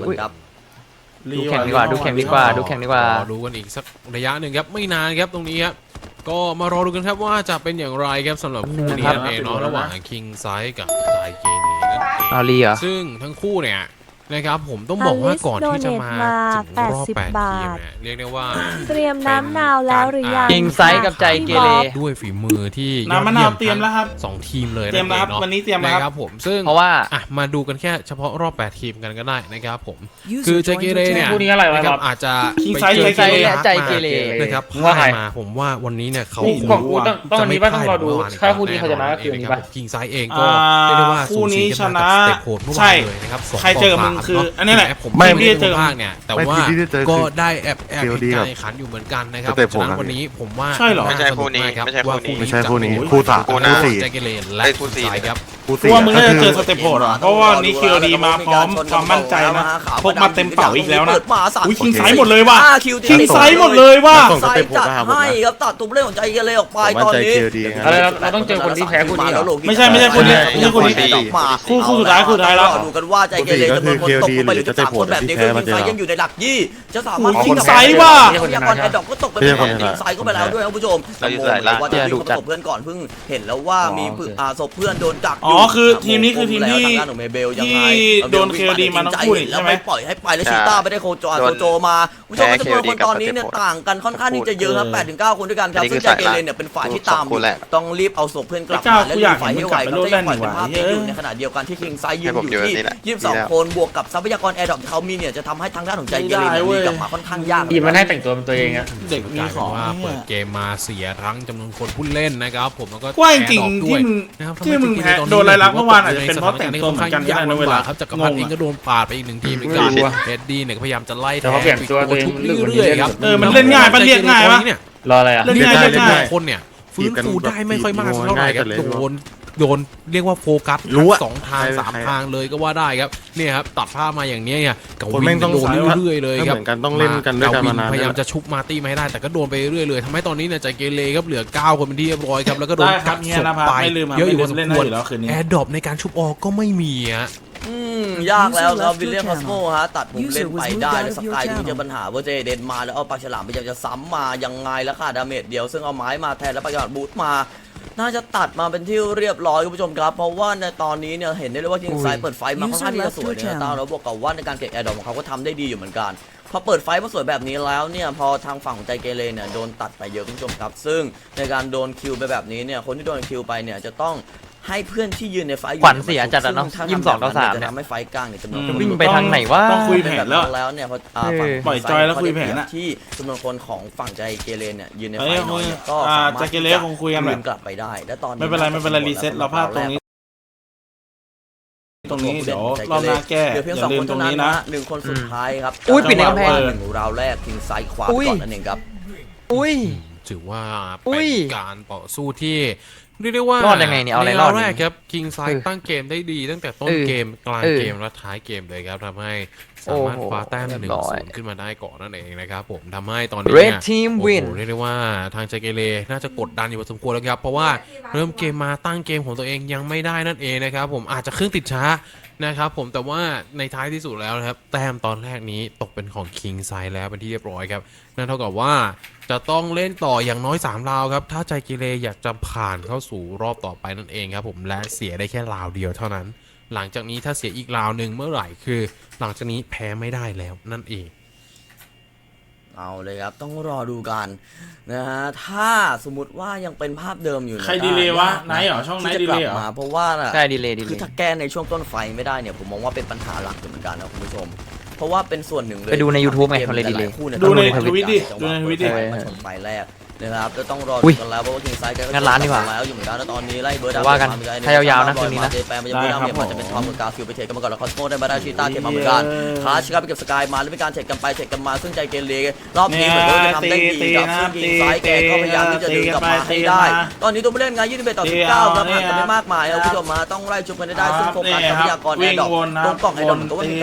ครับดูแข่งดีกว่าดูแข่งดีกว่าดูกันอีกสักระยะหนึ่งครับไม่นานครับตรงนี้ครับก็มารอดูกันครับว่าจะเป็นอย่างไรครับสำหรับคู่นี้นั่นเองเนาะระหว่างคิงไซด์กับไจเกเนนั่นเองเอาลีเหรอซึ่งทั้งคู่เนี่ยนะครับผมต้องบอกว่าก่อนที่จะมาถึงรอบ8ทีมเนี่ยเรียกได้ว่าเตรียมน้ำนาวแล้วหรือยังคิงไซด์กับใจเกเรด้วยฝีมือที่น้ำมะนาวเตรียมแล้วครับ 2ทีมเลยเตรียมแล้วครับวันนี้เตรียมแล้วนะครับผมซึ่งเพราะว่ามาดูกันแค่เฉพาะรอบ8ทีมกันก็ได้นะครับผมคือใจเกเรเนี่ยคู่นี้อะไรวะนะครับอาจจะคิงไปไซด์เจอใจและใจเกเรนะครับว่าใครมาผมว่าวันนี้เนี่ยเขากูต้องวันนี้ป่ะต้องรอดูถ้าคู่นี้เขาชนะก็คือวันนี้ป่ะคิงไซด์เองก็เรียกได้ว่าคู่นี้ชนะสเต็ปโหดเมื่อวานเลยนะครับ2 ใครเจอมึงคืออันนี้แหละผมไม่ไม่ได้เจอภาคเนี่ยแต่ว่าที่ได้เจอก็คือได้แอบเห็น COD การแข่งขันอยู่เหมือนกันนะครับสเต็ปฉะนั้นผมวันนี้ผมว่าใช่เหรอาสกากรับว่าไม่ใช่คู่นี้จะเป็คู่สามคู่คู่สี่แจ็คเกเรและคู่สี่ครับคู่กูว่ามึงน่าจะเจอสเต็ปโหดอ่ะเพราะว่านี่คิวดีมาพร้อมความมั่นใจนะพกมาเต็มเป๋าอีกแล้วนะอุ้ยคิงไซส์หมดเลยว่ะคิงไซส์หมดเลยว่ะไซส์จัดให้ครับตัดตัวผู้เล่นของใจเกเรออกไปตอนนี้อะไรเราต้องเจอคนที่แพ้คู่นี้เหรอไม่ใช่ไม่คนนี้ไม่ใช่คนนี้ คู่สุดท้ายแล้วดูกันว่าใจเกเรจะเป็นคนตกไปหรือจะ3คนแบบนี้คือคิงไซยังอยู่ในหลักยี่จะสามารถคิงไซส์ว่ะพยากรแอดดอกก็ตกไปเป็นของคิงไซก็ไปแล้วด้วยครับผู้ชมว่าจะดูศพเพื่อนก่อนเพิ่งเห็นแล้วว่ามีศพเพื่อนโดนกักอ๋อคือทีมนี้คือทีมที่ทางด้านของเมเบลยังไงโดน KOD มาทั้งคู่นี่ใช่ไหมแล้วปล่อยให้ไปแล้วชีต้าไม่ได้โคโจมาผู้ชมจำนวนคนตอนนี้เนี่ยต่างกันค่อนข้างที่จะเยอะครับ8 ถึง 9 คนด้วยกันครับซึ่งใจเกเรเนี่ยเป็นฝ่ายที่ตามต้องรีบเอาศพเพื่อนกลับมาและรีบฝ่ายให้ไวครับจะปล่อยเป็นภาพนี้อยู่ในขณะเดียวกันที่คิงไซยืนอยู่ที่22 คนบวกกับทรัพยากรแอร์ดรอปที่เขามีเนี่ยจะทำให้ทางด้านของใจเกเรมีกลับมาค่อนข้างยากทีมมันให้แต่งตัวเป็นตัวเองอะเด็กมีของว่าเปิดเกมมาเสียทั้งจำนวนคนผู้เล่นนะครับผมแล้วก็ว่าจริงแอร์ดรอปด้วยที่มึงนะครับที่มึงแพ้ทำให้โดนรายลักษณ์เมื่อวานอาจจะเป็นเพราะแต่งตัวเหมือนกันก็ได้นะเวลาครับจักรพันธ์เองก็โดนปาดไปอีก1ทีมเหมือนกันเอ็ดดี้เนี่ยก็พยายามจะไล่แต่เขาเปลี่ยนตัวเองชุบเรื่อยๆครับมันเล่นง่ายปะเรียกง่ายปะ รออะไรอ่ะเล่นเล่นง่ายง่ายเล่นเล่นง่าง่าย ยคนเนี่ยฟื้นฟูได้ไม่ค่อยมากเท่าไหร่ครับโดนเรียกว่าโฟกัสรู้อะ 2 ทาง 3 ทางเลยก็ว่าได้ครับเนี่ยครับตัดภาพมาอย่างนี้เนี่ยกับคนวิแม่นงต้องโดนสายว่าเรื่อยๆเลยครับเหมือนกันต้องเล่นกันด้วยกันมานานพยายามจะชุบมาร์ตี้มาให้ได้แต่ก็โดนไปเรื่อยๆเลยทำให้ตอนนี้เนี่ยใจเกเรครับเหลือ9 คนเป็นที่เรียบร้อยครับแล้วก็โดนได้ครับกัดเฮียศพนภัสไปไม่ลืมครับเยอะอยู่พอสมเล่นควรได้อยู่แล้วคืนนี้แอร์ดรอปในการชุบออกก็ไม่มีฮะยากแล้วครับวิลเลียมคอสโมฮะตัดมุมเล่นไปได้แล้วสกายที่เจอปัญหาว่าเจเดนมาแล้วเอาปากฉลามพยายามจะซ้ำมายังไงแล้วค่ะดาเมจเดียวซึ่งเอาไม้มาแทนแล้วประกาศบูทมาน่าจะตัดมาเป็นที่เรียบร้อยคุณผู้ชมครับเพราะว่าในตอนนี้เนี่ยเห็นได้เลยว่าคิงไซเปิดไฟมาค่อนข้างที่จะสวยนะตาแล้วบวกกับว่าในการเก็บแอร์ดรอปของเขาก็ทำได้ดีอยู่เหมือนกันพอเปิดไฟมาสวยแบบนี้แล้วเนี่ยพอทางฝั่งของใจเกเรเนี่ยโดนตัดไปเยอะคุณผู้ชมครับซึ่งในการโดนคิวไปแบบนี้เนี่ยคนที่โดนคิวไปเนี่ยจะต้องให้เพื่อนที่ยืนในไฟขวัญเสียจัดอะเนาะซึ่ง 22 ต่อ 3 จะเนี่ยทำให้ไฟกลางเนี่ยจำนวนจะวิ่งไปทางไหนวะต้องคุยแผนแล้วแล้วเนี่ยพอปล่อยจอยแล้วคุยแผนอะที่จำนวนคนของฝั่งใจเกเรเนี่ยยืนในไฟเอ้ยน้อยเนี่ยก็อ่าสามารถใจเกเรคงคุยกันแหละกลับไปได้และตอนนี้ไม่เป็นไรรีเซ็ตเราพลาดตรงนี้ ตรงนี้เดี๋ยวรอบหน้าแก้เหลือเพียงอย่า 2 ลืคมนตรเท่าง นั้นนี้นะนะหนึ่งคนสุดท้ายครับอุ้ยปิดในกำแพงหนึ่งราวแรกทิ้งซ้ายขวาอุ้ยก่อนนั่นเองครับอุ้ยถือว่าอุ้เป็นยการต่อสู้ที่เรียกได้ว่ารอดยังไงเนี่ยเอาอะไรรอดในวแรกครับคิงไซเออตั้งเกมได้ดีตั้งแต่ต้นเออเกมกลางเออเกมและท้ายเกมเลยครับทำให้สามารถโอ้โหคว้าแต้มเรียบร้อย 1-0ขึ้นมาได้ก่อนนั่นเองนะครับผมทำให้ตอนนี้ Red เนี่ย Team โอ้โห win เรียกได้ว่าทางใจเกเรน่าจะกดดันอยู่พอสมควรแล้วครับเพราะว่าเริ่มเกมมาตั้งเกมของตัวเองยังไม่ได้นั่นเองนะครับผมอาจจะเครื่องติดช้านะครับผมแต่ว่าในท้ายที่สุดแล้วนะครับแต้มตอนแรกนี้ตกเป็นของคิงไซแล้วเป็นที่เรียบร้อยครับนั่นเท่ากับว่าจะต้องเล่นต่ออย่างน้อย3 ราวครับถ้าใจเกเรอยากจะผ่านเข้าสู่รอบต่อไปนั่นเองครับผมและเสียได้แค่ราวเดียวเท่านั้นหลังจากนี้ถ้าเสียอีกราวหนึ่งเมื่อไหร่คือหลังจากนี้แพ้ไม่ได้แล้วนั่นเองเอาเลยครับต้องรอดูกันนะฮะถ้าสมมติว่ายังเป็นภาพเดิมอยู่ใครดีเลย์วะไนท์เหรอช่องไนท์ที่จะกลัดีเลย์เหรอมาเพราะว่าน่ะใช่ดีเลยคือถ้าแก้ในช่วงต้นไฟไม่ได้เนี่ยผมมองว่าเป็นปัญหาหลักอยู่เหมือนกันนะคุณผู้ชมเพราะว่าเป็นส่วนหนึ่งเลยไปดูใน YouTube ไงกเขาเลยดีเลยหาคู่นี่ดูในต้องทวิตดิจังหดูวะในทวิตดิเปิดไฟมาชนไฟแรกนะครับแล้วต้องรออุ้ดูยกันแล้วเพราะว่าคิงไซด์ก็งั้นร้านดีกว่าแล้วอยู่เหมือนกันแล้วตอนนี้ไล่เบอร์ดาวว่ากันมถ้ายาวๆนะคืนนี้นะเจแปนมันจะเบอร์ดาวเนี่ยมันจะเป็นทอมกับกาฟิลไปเทรดกันมาก่อนแล้วคอสโมได้มาได้ชีต้าเทรดมาเหมือนกันคลาชครับไปเก็บสกายมาแล้วมีการเทรดกันไปเทรดกันมาซึ่งใจเกเรรอบนี้เหมือนว่าจะทำได้ดีกับซึ่งคิงไซด์แกก็พยายามที่จะดึงกลับมาให้ได้ ตอนนี้ตัวผู้เล่นงาน21 ต่อ 19ครับห่างกันไม่มากมายแล้วคุณผู้ชมมาต้องไล่ชุบกันได้ซึ่งโฟกัสทรัพยากรแอร์ดรอปตรงกล่องแอร์ดรอปก็ว่ามีการ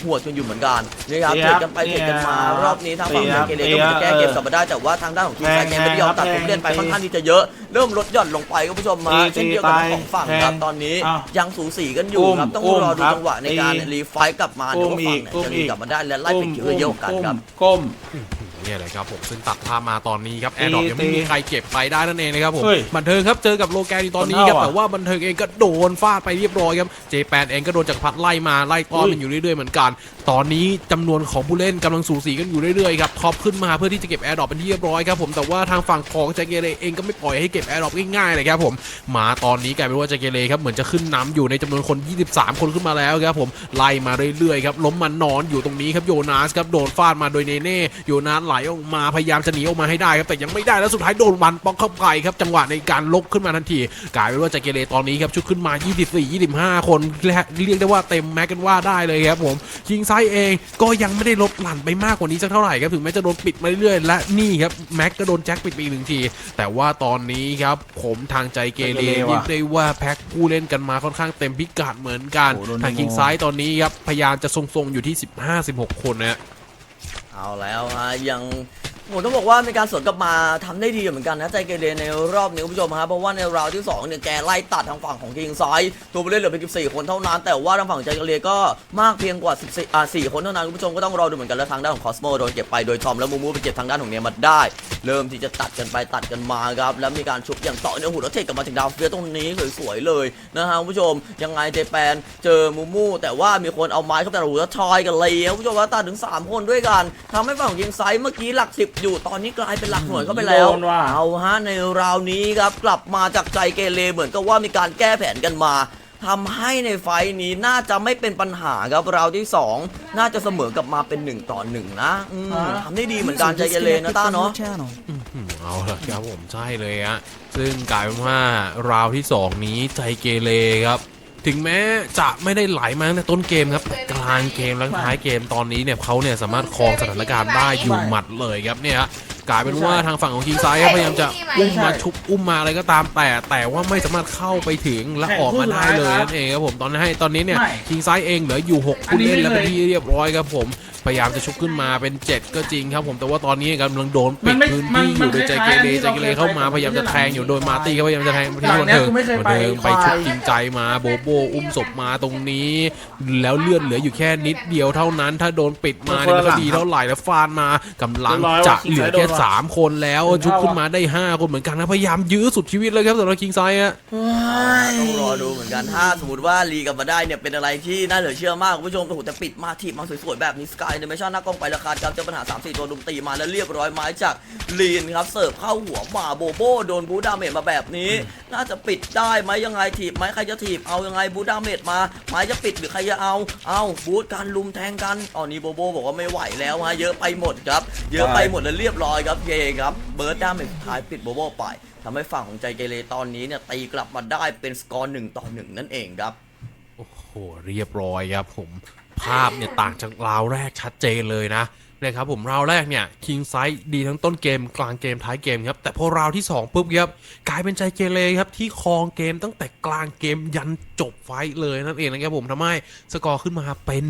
หัวกันอยู่เหมือนกันนะครับเทรดกันไปเทรดกันมารอบนี้ทางฝั่งใจเกเรก็เหมือนจะแก้เกมกลับมาได้แต่ว่าทางด้านของทีมไซเกมไม่ยอมตัดผมเล่นไปค่อนข้างที่จะเยอะเริ่มลดหย่อนลงไปคุณผู้ชมมาเช่นเดียวกับของฝั่งครับตอนนี้ยังสูสีกันอยู่ครับต้องรอดูจังหวะในการรีไฟต์กลับมาเดี๋ยวฝั่งไหนจะรีกลับมาได้และไล่ไปคิวเยอะกันครับก้มเนี่ยแหละครับผมซึ่งตัดภาพมาตอนนี้ครับแอร์ดรอปยังไม่มีใครเก็บไปได้นั่นเองนะครับผมบันเทิงครับเจอกับโลแกนตอนนี้ครับแต่ว่าบันเทิงเองก็โดนฟาดไปเรียบร้อยครับเจแปนเองก็โดนจากพัดไล่มาไล่ต้อนมันอยู่เรื่อยๆเหมือนกันตอนนี้จำนวนของผู้เล่นกำลังสูสีกันอยู่เรื่อยๆครับท็อปขึ้นมาเพื่อที่จะเก็บแอร์ดรอปเป็นที่เรียบร้อยครับผมแต่ว่าทางฝั่งของใจเกเรเองก็ไม่ปล่อยให้เก็บแอร์ดรอปง่ายๆเลยครับผมมาตอนนี้กลายเป็นว่าใจเกเรครับเหมือนจะขึ้นนำอยู่ในจำนวนคน23คนขึ้นมาแล้วครับผมไล่มาเรื่อยๆครับล้มมันนอนอยู่ตรงนี้ครับโยนาสครับโดนฟาดมาโดยเนเน่โยนาสไหลออกมาพยายามจะหนีออกมาให้ได้ครับแต่ยังไม่ได้แล้วสุดท้ายโดนวันป๊อกเข้าไปครับจังหวะในการลกขึ้นมาทันทีกลายเป็นว่าใจเกเรตอนนี้ครับชุดขึ้นมา24-25คนเรียกได้ว่าเต็มแม็กกันว่าได้เลยครับผมคิงไซเองก็ยังไม่ได้ลดหลั่นไปมากกว่านี้สักเท่าไหร่ครับถึงแม้จะโดนปิดมาเรื่อยๆและนี่ครับแม็กก็โดนแจ็คปิดไปอีก1ทีแต่ว่าตอนนี้ครับผมทางใจเกเรเรียกได้ว่าแพ็คผู้เล่นกันมาค่อนข้างเต็มพิกัดเหมือนกันทางคิงไซตอนนี้ครับพยายามจะทรงๆอยู่ที่15-16คนนะเอาแล้วฮะยังผมต้องบอกว่าในการสวนกลับมาทำได้ดีเหมือนกันนะใจเกเรในรอบนี้คุณผู้ชมครับเพราะว่าในราวที่2เนี่ยแกไล่ตัดทางฝั่งของคิงไซด์ตัวผู้เล่นเหลือเพียง14คนเท่านั้นแต่ว่าทางฝั่งใจเกเรก็มากเพียงกว่า4คนเท่านั้นคุณผู้ชมก็ต้องรอดูเหมือนกันแล้วทางด้านของคอสโมโดนเก็บไปโดยทอมและมูมูไปเก็บทางด้านของเนียมาได้เริ่มที่จะตัดกันไปตัดกันมาครับแล้วมีการชุบอย่างต่อเนื่องหุ่นแล้วเทกลับมาถึงดาวเฟียตรงนี้สวยๆเลยนะฮะคุณผู้ชมยังไงเจแปนเจอมูมูแต่ว่ามีคนเอาไม้เข้าไปหูแล้วชอยกันเลยคุณผู้ชมว่าตัดถึง3คนด้วยกันทำให้ฝั่งของคิงไซด์เมื่อกี้หลัก10อยู่ตอนนี้กลายเป็นหลักหน่วยเข้าไปแล้วเอาฮะในราวนี้ครับกลับมาจากใจเกเรเหมือนกับว่ามีการแก้แผนกันมาทำให้ในไฟนี้น่าจะไม่เป็นปัญหาครับราวที่2น่าจะเสมอกลับมาเป็น1-1นะทำได้ดีเหมือนกันใจเกเรนะต้าเนาะเอาละครับผมใช่เลยฮะซึ่งกลายเป็นว่าราวที่2นี้ใจเกเรครับถึงแม้จะไม่ได้ไหลมาตั้งแต่ต้นเกมครับกลางเกมและท้ายเกมตอนนี้เนี่ยเขาเนี่ยสามารถครองสถานการณ์ได้อยู่หมัดเลยครับเนี่ยกลายเป็นว่าทางฝั่งของคิงไซด์พยายามจะอุ้มมาชุบอุ้มมาอะไรก็ตามแต่ว่าไม่สามารถเข้าไปถึงและออกมาได้เลยนั่นเองครับผมตอนนี้เนี่ยคิงไซด์เองเหลืออยู่6ผู้เล่นแล้วเป็นที่เรียบร้อยครับผมพยายามจะชุบขึ้นมาเป็น7ก็จริงครับผมแต่ว่าตอนนี้กำลังโดนปิดพื้นที่อยู่โดยใจเกเรเข้ามาพยายามจะแทงอยู่โดยมาร์ตี้เขาพยายามจะแทงไปที่บันเทิงไปชุบจริงใจมาโบโบอุ้มศพมาตรงนี้แล้วเลือดเหลืออยู่แค่นิดเดียวเท่านั้นถ้าโดนปิดมาเนี่ยมันก็ดีเท่าไหร่แล้วฟานมากำลังจะเหลือแค่3คนแล้วชุบขึ้นมาได้5คนเหมือนกันนะพยายามยื้อสุดชีวิตเลยครับสำหรับคิงไซด์อะต้องรอดูเหมือนกันถ้าสมมติว่ารีกลับมาได้เนี่ยเป็นอะไรที่น่าเหลือเชื่อมากคุณผู้ชมแต่ปิดมาทีมาสวยๆแบบนี้สกายเดเมชั่นหน้ากล้องไปราคาครับเจอปัญหา 3-4 ตัวลุมตีมาแล้วเรียบร้อยไม้จากลีนครับเสิร์ฟเข้าหัวมาโบโบโดนบูดาเมจมาแบบนี้น่าจะปิดได้ไหมยังไงถีบไหมใครจะถีบเอายังไงบูดาเมจมาไม้จะปิดหรือใครจะเอาบูดการลุมแทงกันนี้โบโบบอกว่าไม่ไหวแล้วฮะเยอะไปหมดครับเยอะไปหมดแล้วเรียบร้อยครับเยครับเบิร์ดดาเมจสุดท้ายปิดโบโบไปทำให้ฝั่งของใจเกเรตอนนี้เนี่ยตีกลับมาได้เป็นสกอร์1-1นั่นเองครับโอ้โหเรียบร้อยครับผมภาพเนี่ยต่างจากราวแรกชัดเจนเลยนะครับผมราวแรกเนี่ยคิงไซด์ดีทั้งต้นเกมกลางเกมท้ายเกมครับแต่พอราวที่2ปุ๊บครับกลายเป็นใจเกเรครับที่ครองเกมตั้งแต่กลางเกมยันจบไฟท์เลยนั่นเองนะครับผมทำให้สกอร์ขึ้นมาเป็น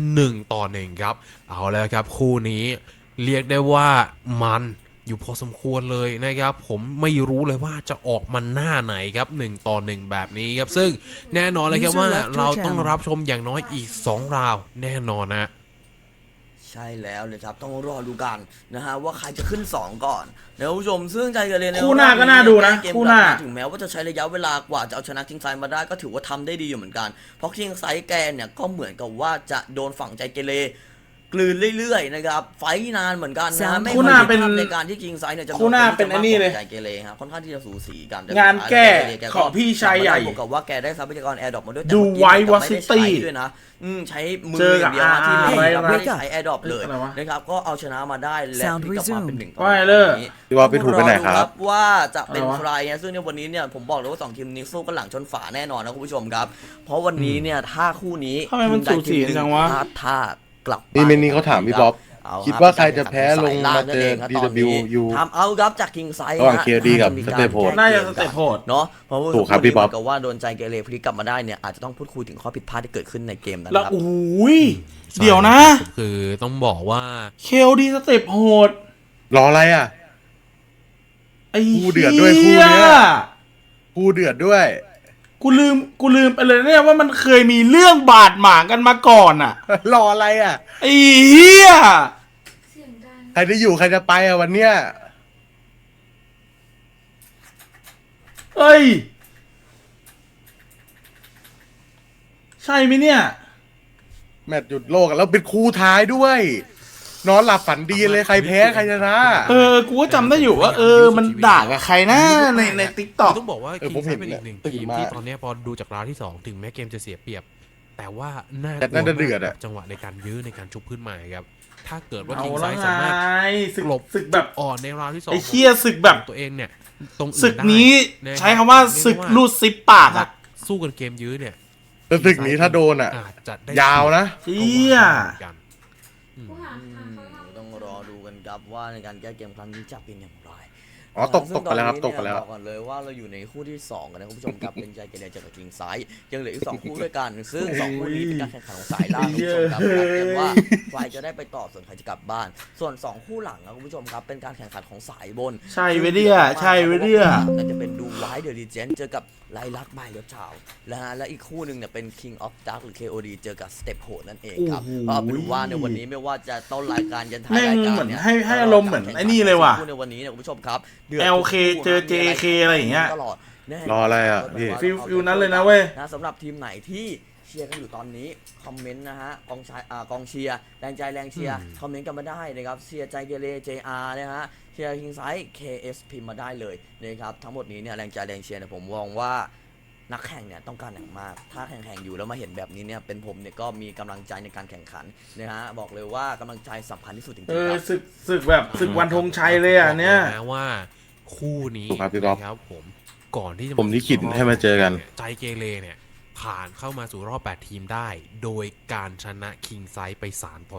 1-1ครับเอาแล้วครับคู่นี้เรียกได้ว่ามันอยู่พอสมควรเลยนะครับผมไม่รู้เลยว่าจะออกมาหน้าไหนครับ1-1แบบนี้ครับซึ่งแน่นอนเลยครับว่าเราต้องรับชมอย่างน้อยอีก2ราวแน่นอนนะใช่แล้วเลยครับต้องรอดูกันนะฮะว่าใครจะขึ้น2ก่อนนะผู้ชมซึ่งใจเกเรในคู่หน้าก็น่าดูนะคู่หน้าถึงแม้ว่าจะใช้ระยะเวลากว่าจะเอาชนะคิงไซด์มาได้ก็ถือว่าทำได้ดีอยู่เหมือนกันเพราะคิงไซด์แกเนี่ยก็เหมือนกับว่าจะโดนฝั่งใจเกเรกลืนเรื่อยๆนะครับไฟนานเหมือนกันนะไม่คู่หน้าเป็นในการที่คิงไซด์เนี่ยจะคู่หน้าเป็นอันนี้เลยใจเกเรครับค่อนข้างที่จะสูสีกันงานแก้ของพี่ชายใหญ่บอกกับว่าแกได้ทรัพยากรแอร์ดรอปมาด้วยดูไววอซิตี้ด้วยนะใช้มืออย่างเดียวที่ไม่ใช้แอร์ดรอปเลยนะครับก็เอาชนะมาได้และกลับมาเป็น1-1 พี่ว่าไปถูกไปไหนครับว่าจะเป็นใครซึ่งในวันนี้เนี่ยผมบอกเลยว่า2ทีมนี้สู้กันหลังชนฝาแน่นอนนะคุณผู้ชมครับเพราะวันนี้เนี่ยถ้าคู่นี้ทำไมมันสูสีจังวะถ้ากลับนี่เขาถามพี่บ๊อบคิดว่าใครจะแพ้ลงมาเจอ DWU ทำเอาครับจากคิงไซระหว่าง KOD กับสเตปโหดน่าจะสเต็ปโหดเนาะเพราะว่าถูกครับพี่บ๊อบก็ว่าโดนใจเกเรพลิกกลับมาได้เนี่ยอาจจะต้องพูดคุยถึงข้อผิดพลาดที่เกิดขึ้นในเกมนั้นแล้วครับโอ้ยเดี๋ยวนะคือต้องบอกว่า KOD สเต็ปโหดรออะไรอ่ะไอ้คู่เดือดด้วยคู่เนี้ย คู่เดือดด้วยกูลืมไปเลยเนี่ยว่ามันเคยมีเรื่องบาดหมางกันมาก่อนอ่ะรออะไรอ่ะไอ้เหี้ยใครจะอยู่ใครจะไปอ่ะวันเนี้ยเอ้ยใช่ไหมเนี่ยแมตช์หยุดโลกอะแล้วเป็นคู่ท้ายด้วย นอนหลับฝันดีเลยใครแพ้ใครชนะกูก็จำได้อยู่ว่ามันด่ากับใครนะในติ๊กต็อกต้องบอกว่าเออคิผงมไซเห็นเป็นอีกหนึ่งตื่นทีมมาที่ตอนนี้พอดูจากราวที่ 2 ถึงแม้เกมจะเสียเปรียบ แต่ว่าน่าแต่น่าจะเดือดอะจังหวะในการยื้อในการชุบขึ้นมาครับถ้าเกิดว่าเอาคิงไซละไงสามารถศึกหลบศึกแบบอ่อนในราวที่ 2 ไอ้เหี้ยศึกแบบของตัวเองเนี่ยตรงอื่นศึกได้นี้ะรับใช้คำว่าศึกลูดซิปปากถ้าอ่ะสู้กันเกมยื้อเนี่ยแต่ศึกนี้ถ้าโดนอ่ะอาจจะได้ยาวนะเหี้ยกันอืมต้องรอดูกันครับว่าในการแก้เกมครั้งนี้จะเป็นอย่างไรอ๋อตกไปแล้วครับตกไปแล้วบอกก่อนเลยว่าเราอยู่ในคู่ที่2กันนะคุณผู้ชมครับเป็นใจเกเรเจอกับคิงไซด์ยังเหลืออีก2คู่ด้วยกันซึ่ง2คู่นี้เป็นการแข่งขันของสายล่างคุณผู้ชมครับเกมว่าใครจะได้ไปต่อส่วนใครจะกลับบ้าน ส่วน2คู่หลังนะคุณผู้ชมครับเป็นการแข่งขันของสายบนใช่เว้ยเนี่ยใช่เว้ยเนี่ยนั่นจะเป็นดูไวท์เดอะลีเจนเจอกับไลลักบายเลือดชาวและอีกคู่หนึ่งเนี่ยเป็น King of Dark หรือ KOD เจอกับ Step โหดนั่นเองครับโอ้โหก็เป็นว่าในวันนี้ไม่ว่าจะต้นรายการยันท้ายแม่งรายการเหมือนเนี่ยให้อารมณ์เหมือนไอ้นี่เลยว่ะคู่ในวันนี้เนี่ยคุณผู้ชมครับดือด LK เจอ JK อะไรอย่างเงี้ยตลอดแน่รออะไรอ่ะพี่ฟิลนั้นเลยนะเว้ยสำหรับทีมไหนที่เชียร์กันอยู่ตอนนี้คอมเมนต์นะฮะกองเชียร์แรงใจแรงเชียร์คอมเมนต์กันมาได้นะครับเชียร์ใจเกเร JR นะฮะเชียร์คิงไซด์ KS พิมพ์มาได้เลยนะครับทั้งหมดนี้เนี่ยแรงใจแรงเชียร์เนี่ยผมมองว่านักแข่งเนี่ยต้องการอย่างมากถ้าแข่งอยู่แล้วมาเห็นแบบนี้เนี่ยเป็นผมเนี่ยก็มีกำลังใจในการแข่งขันนะฮะบอกเลยว่ากำลังใจสำคัญที่สุดจริงๆครับศึกแบบศึกวันธงชัยเลยอ่ะเนี่ยบอกลนะว่าคู่นี้ถูกครับพี่บ๊อบนะครับผมก่อนที่จะผมลิขิตให้มาเจอกันใจเกเรเนี่ยผ่านเข้ามาสู่รอบ 8 ทีมได้ โดยการชนะคิงไซด์ไป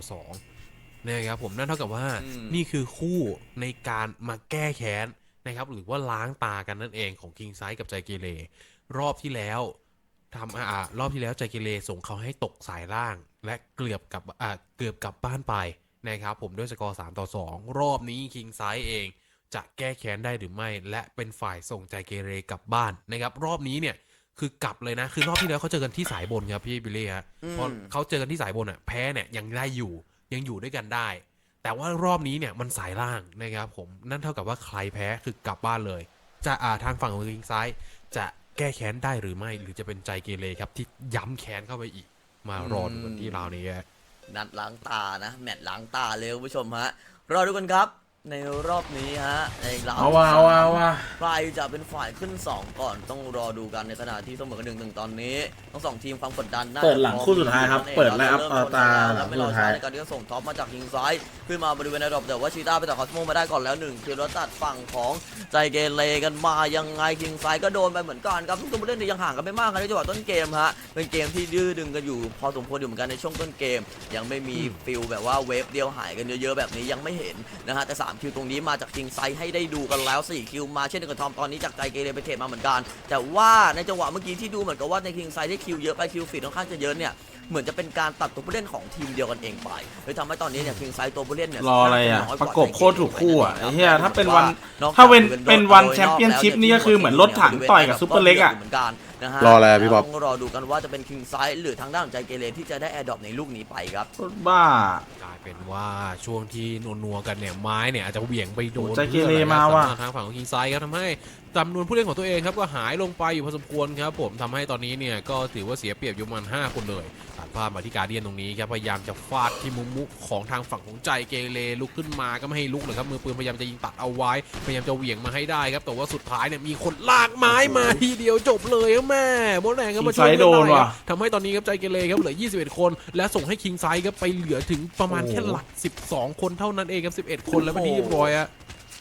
3-2นะครับผมนั่นเท่ากับว่านี่คือคู่ในการมาแก้แค้นนะครับหรือว่าล้างตากันนั่นเองของคิงไซด์กับใจเกเรรอบที่แล้วรอบที่แล้วใจเกเรส่งเขาให้ตกสายล่าง และเกือบกลับบ้านไปนะครับผมด้วยสกอร์3-2รอบนี้คิงไซด์เองจะแก้แค้นได้หรือไม่และเป็นฝ่ายส่งใจเกเรกลับบ้านนะครับรอบนี้เนี่ยคือกลับเลยนะคือรอบที่แล้วเขาเจอกันที่สายบนครับพี่บิลลี่ฮะพอเขาเจอกันที่สายบนอ่ะแพ้เนี่ยยังได้อยู่ยังอยู่ด้วยกันได้ แต่ว่ารอบนี้เนี่ยมันสายล่างนะครับผมนั่นเท่ากับว่าใครแพ้คือกลับบ้านเลยจะทางฝั่งของคิงไซด์จะแก้แค้นได้หรือไม่หรือจะเป็นใจเกเรครับที่ย้ำแค้นเข้าไปอีกมารอดูกันที่ราวนี้นัดล้างตานะแมตช์ล้างตาเลยคุณผู้ชมฮะรอดูกันครับในรอบนี้ฮะในราวเอาว่ะใครจะเป็นฝ่ายขึ้น 2 ก่อนต้องรอดูกันในขณะที่เสมอกัน1-1ตอนนี้ทั้ง2ทีมความกดดันน่าเปิดหลังคู่สุดท้ายครับเปิดแล้วอัพตาหลังไม่คู่รอสุดช้าท้ายในการที่จะส่งท็อปมาจากยิงซ้ายขึ้นมาบริเวณในรอบแต่ว่าชีต้าไปต่อคอสโมมาได้ก่อนแล้ว1คิวแล้วตัดฝั่งของใจเกเรกันมายังไงคิงซ้ายก็โดนไปเหมือนกันครับทุกตัวผู้เล่นเนี่ยยังห่างกันไม่มากนะในจังหวะต้นเกมฮะเป็นเกมที่ดื้อดึงกันอยู่พอสมควรอยู่เหมือนกันในช่วงต้นเกมยังไม่มีฟิลแบบว่าเวฟเดียวหายกันเยอะๆแบบนี้ยังไม่เห็นนะฮะแต่3คิวตรงนี้มาจากคิงไซให้ได้ดูกันแล้ว4คิวมาเช่นเดียวกับทอมตอนนี้จากใจเกเรไปเทรดมาเหมือนกันแต่ว่าในจังหวะเมื่อกี้ที่ดูเหมือนกับว่าในคิงไซได้คิวเยอะไปคิวฟีดค่อนข้างจะเยอะเนี่ยเหมือนจะเป็นการตัดตัวผู้เล่นของทีมเดียวกันเองไปเลยทำให้ตอนนี้เนี่ยคิงไซตัวผู้เล่นเนี่ยรออะไรอ่ะน้ยกปว่าระกบโคตรถูกคู่อ่ะใจไอ้กรเหี้ยถ้าเป็นวันนอกจากถ้าเป็นวันแชมเปี้ยนชิพนี่ก็คือเหมือนรถถังต่อยกับซุปเปอร์เล็กอ่ะเหมือนกันนะฮะรออะไรอะพี่บ๊อบต้องรอดูกันว่าจะเป็นคิงไซหรือทางด้านของใจเกเรที่จะได้แอร์ดรอปในลูกนี้ไปครับรถบ้ากลายเป็นว่าช่วงที่นัวๆกันเนี่ยไม้เนี่ยอาจจะเหวี่ยงไปโดนใจเกเรมาว่ะทางฝั่งของคิงไซครับทำให้จำนวนผู้เล่นของตัวเองครับก็หายลงไปอยู่พอสมควรครับผมทำให้ตอนนี้เนี่ยก็ถือว่าเสียเปรียบอยู่ประมาณ5คนเลยตัดภาพมาที่การเดียนตรงนี้ครับพยายามจะฟาดที่มุมมุกของทางฝั่งของใจเกเรลุกขึ้นมาก็ไม่ให้ลุกเลยครับมือปืนพยายามจะยิงตัดเอาไว้พยายามจะเหวี่ยงมาให้ได้ครับแต่ว่าสุดท้ายเนี่ยมีคนลากไม้มาทีเดียวจบเลยครับแม่โมดแรงก็มาช่วยคิงไซด์โดนว่ะทำให้ตอนนี้ครับใจเกเรครับเหลือ21คนและส่งให้คิงไซด์ครับไปเหลือถึงประมาณแค่หลัก12คนเท่านั้นเองครับ11คนแล้วเป็นที่เรียบร้อยอะ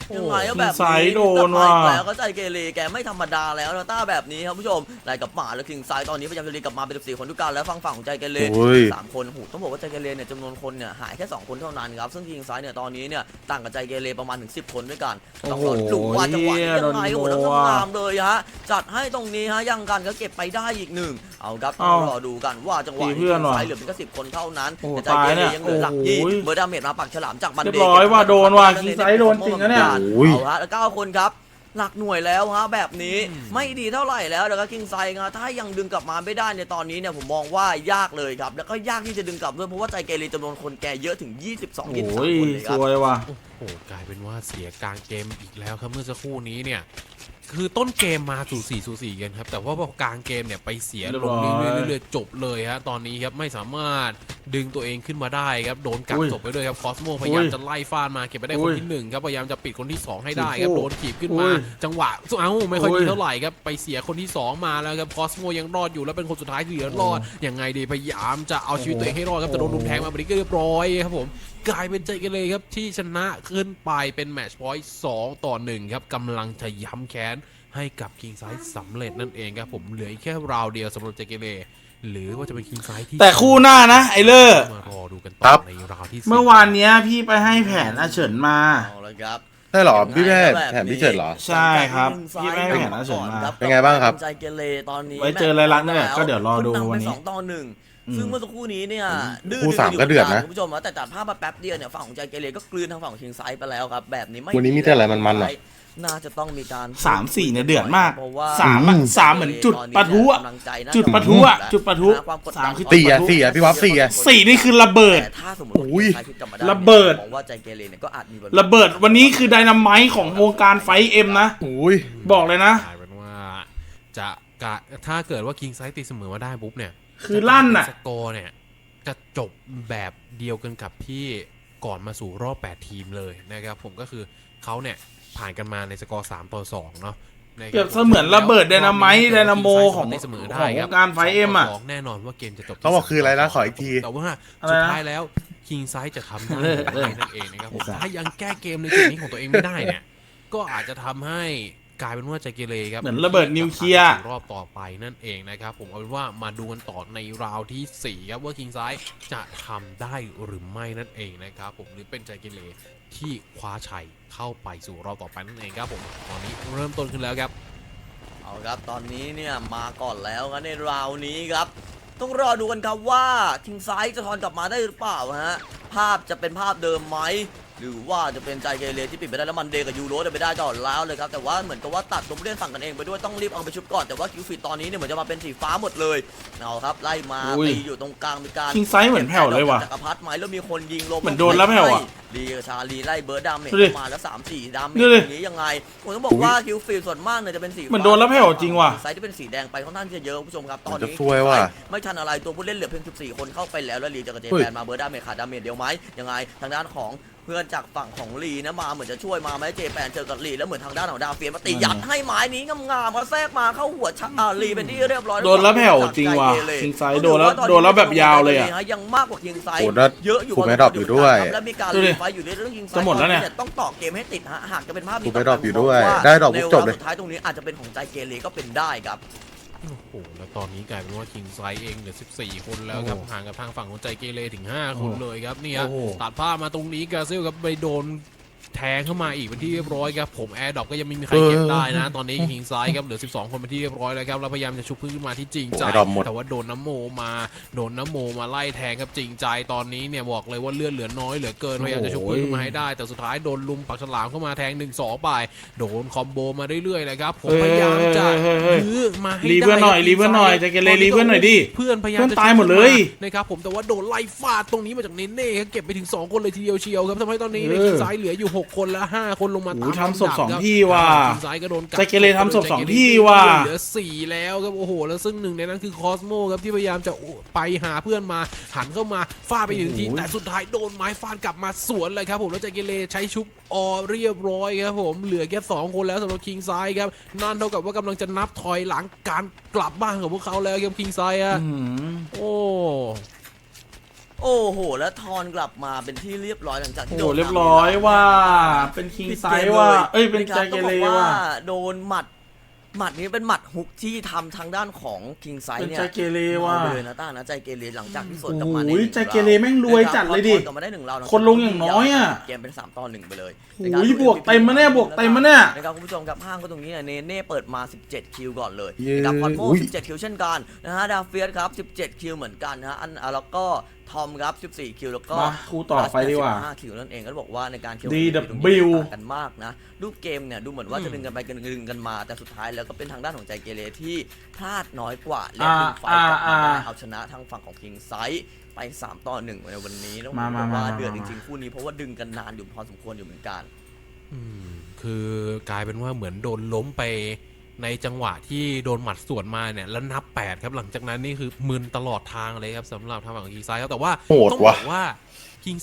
ยังไงก็แบบคิงไซด์โดนว่ะแล้วก็ใจเกเรแกไม่ธรรมดาแล้วนะต้าแบบนี้ครับผู้ชมไล่กับหมาแล้วคิงไซด์ตอนนี้พยายามจะรีกลับมาเป็น14คนทุกการแล้วฝั่งของใจเกเรโอ้ย 3 คนต้องบอกว่าใจเกเรเนี่ยจำนวนคนเนี่ยหายแค่2 คนเท่านั้นครับซึ่งคิงไซด์เนี่ยตอนนี้เนี่ยต่างกับใจเกเรประมาณถึง10 คนด้วยกันต้องรอดูว่าจังหวะนี้ยังไงโอ้โหแล้วทำงามเลยฮะจัดให้ตรงนี้ฮะยังกันก็เก็บไปได้อีก1เอาครับต้องรอดูกันว่าจังหวะนี้คิงไซด์เหลือเพียงแค่10 คนเท่านั้นแต่ใจเกเรยังเหลือหลักยี่เบอร์ดาเมจมาปักฉลามจากบันเดเรียบร้อยว่ะโดนว่ะคิงไซด์โดนจริงนะเนี่ยเอาฮะแล้ว9 คนครับหลักหน่วยแล้วฮะแบบนี้ไม่ดีเท่าไหร่แล้วแล้วก็คิงไซด์ถ้ายังดึงกลับมาไม่ได้ในตอนนี้เนี่ยผมมองว่ายากเลยครับแล้วก็ยากที่จะดึงกลับด้วยเพราะว่าใจเกเรจำนวนคนแกเยอะถึง22 23 โอ้ยคนเลยคสรับวยว่ะโอ้โหกลายเป็นว่าเสียกลางเกมอีกแล้วครับเมื่อสักครู่นี้เนี่ยคือต้นเกมมาสูสีกันครับแต่ว่าพอกลางเกมเนี่ยไปเสียลงเรื่อยๆจบเลยฮะตอนนี้ครับไม่สามารถดึงตัวเองขึ้นมาได้ครับโดนกักจบไปด้วยครับคอสโมพยายามจะไล่ฟาดมาเก็บไปได้คนที่1ครับพยายามจะปิดคนที่2ให้ได้ครับโดนขีบขึ้นมาจังหวะไม่ค่อยดีเท่าไหร่ครับไปเสียคนที่2มาแล้วครับคอสโมยังรอดอยู่แล้วเป็นคนสุดท้ายที่เหลือรอดยังไงดีพยายามจะเอาชีวิตตัวเองให้รอดครับแต่โดนลุมแทงมาบริกเรียบร้อยครับผมกลายเป็นใจกันเลยครับที่ชนะขึ้นไปเป็นแมตช์พอยต์2-1ครับกำลังจะย้ำแค้นให้กับคิงไซด์สำเร็จนั่นเองครับผมเหลืออีกแค่ราวเดียวสำหรับใจเกเรหรือว่าจะเป็นคิงไซด์ที่แต่คู่หน้านะไอเลอร์มารอดูกันครัต่อบ ในราวที่4 เมื่อวานเนี้ยพี่ไปให้แผนอาเฉินมาเอาละครับใช่เหรอพี่แพทย์แถมพี่เฉิดเหรอใช่ครับพี่ไม่ให้แผนอาเฉินมาเป็นไงบ้างครับใจเกเรตอนนี้ไว้เจอรายลักษณ์นั่นแหละก็เดี๋ยวรอดูวันนี้ 2-1ซึ่งเมื่อสักครู่นี้เนี่ยดื้อคู่3ก็เดือดนะคุณผู้ชมแต่ตัดภาพมาแป๊บเดียวเนี่ยฝั่งของใจเกเรก็กลืนทางฝั่งของคิงไซด์ไปแล้วครับแบบนี้ไม่วันนี้มีแต่อะไรมันๆเหรอน่าจะต้องมีการ 3-4เนี่ยเดือดมากเพราะว่า 3เหมือนจุดปะทุอะกำลังใจน่าจุดปะทุอะจุดปะทุความกดดันสามคือ 4 อ่ะพี่วับ4 อ่ะ 4นี่คือระเบิดแต่ถ้าสมมติว่าอุ้ยใครคิดกลับมาได้ระเบิดผมว่าใจเกเรเนี่ยก็อาจมีระเบิดวันนี้คือไดนาไมต์ของวงการไฟเอ็มนะอุ้ยบอกเลยนะกลายเป็นว่าจะถ้าเกิดว่าคิงไซด์ตีเสมอมาได้ปุ๊บเนี่ยคือลั่นอะสกอร์เนี่ยจะจบแบบเดียวกันกับที่ก่อนมาสู่รอบ8ทีมเลยนะครับผมก็คือเขาเนี่ยผ่านกันมาในสกอร์3-2เนาะนะครับเปรียบเสมือนระเบิดไดนาไมต์ไดนาโมของตีเสมอได้ของคว รับงการไฟเอ็มอะ 2-2แน่นอนว่าเกมจะจบที่เขาบอกคืออะไรนะขออีกทีแต่ว่าอะไรนะสุดท้ายแล้วคิงไซด์จะทำได้หรือไม่นั่นเองนะครับผมถ้ายังแก้เกมในจุดนี้ของตัวเองไม่ได้เนี่ยก็อาจจะทำให้กลายเป็นว่าใจเกเรครับเหมือนระเบิดนิวเคลียร์รอบต่อไปนั่นเองนะครับผมเอาเป็นว่ามาดูกันต่อในราวที่ 4 ครับว่าคิงไซด์จะทำได้หรือไม่นั่นเองนะครับผมหรือเป็นใจเกเรที่คว้าชัยเข้าไปสู่รอบต่อไปนั่นเองครับผมตอนนี้เริ่มต้นขึ้นแล้วครับเอาครับตอนนี้เนี่ยมาก่อนแล้วครับในราวนี้ครับต้องรอดูกันครับว่าคิงไซด์จะทอนกลับมาได้หรือเปล่าฮะภาพจะเป็นภาพเดิมไหมหรือว่าจะเป็นใจเกเรที่ปิดไปได้แล้วมันเดย์กับยูโรได้ไปได้ก่อนแล้วเลยครับแต่ว่าเหมือนกับว่าตัดตัวผู้เล่นฝั่งกันเองไปด้วยต้องรีบเอาไปชุบก่อนแต่ว่าคิวฟิตตอนนี้เนี่ยเหมือนจะมาเป็นสีฟ้าหมดเลยเอาครับไล่มาอุ้ยตีอยู่ตรงกลางมีการคิงไซด์เหมือนแผ่วเลยว่ะจักรพรรดิไหมแล้วมีคนยิงลงเหมือนโดนแล้วแผ่วอะลีกับชาลีไล่เบิร์ดดามเมจดูดิมาแล้ว3-4ดามเมจดูดิอย่างนี้ยังไงผมต้องบอกว่าคิวฟิตส่วนมากเนี่ยจะเป็นสีฟ้าเหมือนโดนแล้วแผ่วจริงว่ะไซส์ที่เป็นสีแดงไปค่อนข้างที่จะเยอะคุณผู้ชมครับตอนจะนี้ซวยว่ะไม่ทันอะไรตัวผู้เล่นเหลือเพียง14 คนเข้าไปแล้วแล้วลีจากเจเฮ้ยแปนมาเบิร์ดดาเมจขาดดาเมจเดียวไหมยังไงทางด้านของเพื่อนจากฝั่งของลีนะมาเหมือนจะช่วยมาไหมเจแปนเจอกับลีแล้วเหมือนทางด้านของดาวเฟียนมาตียัดให้ไม้นี้งามๆมาแทรกมาเข้าหัวลีเป็นที่เรียบร้อยโดนแล้วแผ่วจริงว่ะคิงไซด์โดนแล้วแบบยาวเลยอะยังมากกว่าคิงไซด์โหแล้วเยอะอยู่ถูกไหมดรอปอยู่ด้วยและมีการดูดิรีไฟอยู่ในเรื่องคิงไซด์จะหมดแล้วเนี่ยต้องต่อเกมให้ติดฮะหากจะเป็นภาพนี้ถูกไหมดรอปอยู่ด้วยว่าได้ดรอปปุ๊บจบเลยในวาระสุดท้ายตรงนี้อาจจะเป็นของใจเกเรก็เป็นได้ครับโอ้โหแล้วตอนนี้กลายเป็นว่าคิงไซด์เองเหลือ14 คนแล้วครับโอ้โหห่างกับทางฝั่งของใจเกเรถึง 5 คนเลยครับเนี่ยโอ้โหตัดภาพมาตรงนี้กาซิลครับไปโดนแทงเข้ามาอีกเป็นที่เรียบร้อยครับผมแอร์ดรอปก็ยังไม่มีใครเก็บได้นะ ตอนนี้คิงไซด์ครับเหลือ12 คนเป็นที่เรียบร้อยแล้วครับแล้วพยายามจะชุบขึ้นมาที่จริงใจแอร์ดรอปหมดแต่ว่าโดนน้ำโมมาไล่แทงครับจริงใจตอนนี้เนี่ยบอกเลยว่าเลือดเหลือน้อยเหลือเกินพยายามจะชุบขึ้นมาให้ได้ แต่สุดท้ายโดนลุมปักฉลามเข้ามาแทง 1-2 ไปโดนคอมโบมาเรื่อยๆเลยครับผมพยายามจะ ยื้อมาให้รีเพื่อนหน่อยได้รีเพื่อนหน่อยใจเกเรรีเพื่อนหน่อยดิเพื่อนพยายามเพื่อนจะตายหมดเลยนะครับผมแต่ว่าโดนไล่ฟาดตรงนี้มาจากเนเน่ครับเก็บไปถึง2 คนเลยทีเดียวเชียวครับทำให้ตอนนี้ในทีมซ้ายเหลืออยู่6 คนและ5 คนลงมาโอ้ตามโหทำศพลำดับสองครับที่ว่ะทีมซ้ายก็โดนกัดใจเกเรทำศพสองที่ว่ะเหลือ4แล้วครับโอ้โหแล้วซึ่งหนึ่งในนั้นคือคอสโมครับที่พยายามจะไปหาเพื่อนมาหันเข้ามาฟาดไปถึงทีแต่สุดท้ายโดนไม้ฟาดกลับมาสวนเลยครับผมแล้วใจเกเรใช้ชุบออเรียบร้อยครับผมเหลือแค่2 คนแล้วสำหรับคิงไซด์ครับนั่นเท่ากับว่ากำลังจะนับถอยหลังการกลับบ้านของพวกเขาแล้วครับคิงไซด์อะอื้อหือโอ้โอ้โหแล้วทอนกลับมาเป็นที่เรียบร้อยหลังจากที่โอ้โดนเรียบร้อยว่าเป็นคิงไซส์ว่าเอ้ยเป็นใจเกเรว่าโดนหมัดนี้เป็นหมัดฮุกที่ทำทางด้านของคิงไซเป็นเนี่ยใจเกเรว่าเอาไปเลยนะต้านะใจเกเรหลังจากที่สวนกลับมาในโอ้ยใจเกเรแม่งรวยจัดเลยดิกลับมาได้1ราวคนลงอย่างน้อยอะเกมเป็น3-1ไปเลยโอ้ยบวกเต็มมาแน่บวกเต็มมาแน่นะครับคุณผู้ชมครับห้างก็ตรงนี้เนี่ยเน่เปิดมา17คิวก่อนเลยเย้นะครับคอนโมอุ้ย 17คิวเช่นกันนะฮะดาเฟียสครับ17คิวเหมือนกันนะฮะแล้วก็ทอมครับ14คิวแล้วก็มาคู่ต่อไปดีกว่า 15คิวนั่นเองก็บอกว่าในการคิว DW ต่างกันมากนะรูปเกมเนี่ยดูเหมือนว่าจะดึงกันไปดึงกันมาแต่สุดท้ายแล้วก็เป็นทางด้านของใจเกเรที่พลาดน้อยกว่าและดึงไฟกลับมาได้เอาชนะทางฝั่งของคิงไซส์ไป3-1ในวันนี้ต้องบอกว่าเดือดจริงๆคู่นี้เพราะว่าดึงกันนานอยู่พอสมควรอยู่เหมือนกันคือกลายเป็นว่าเหมือนโดนล้มไปในจังหวะที่โดนหมัดสวนมาเนี่ยแล้วนับ8ครับหลังจากนั้นนี่คือมึนตลอดทางเลยครับสำหรับทางฝั่งคิงไซครับแต่ว่าโหดต้องบว่ะอกว่า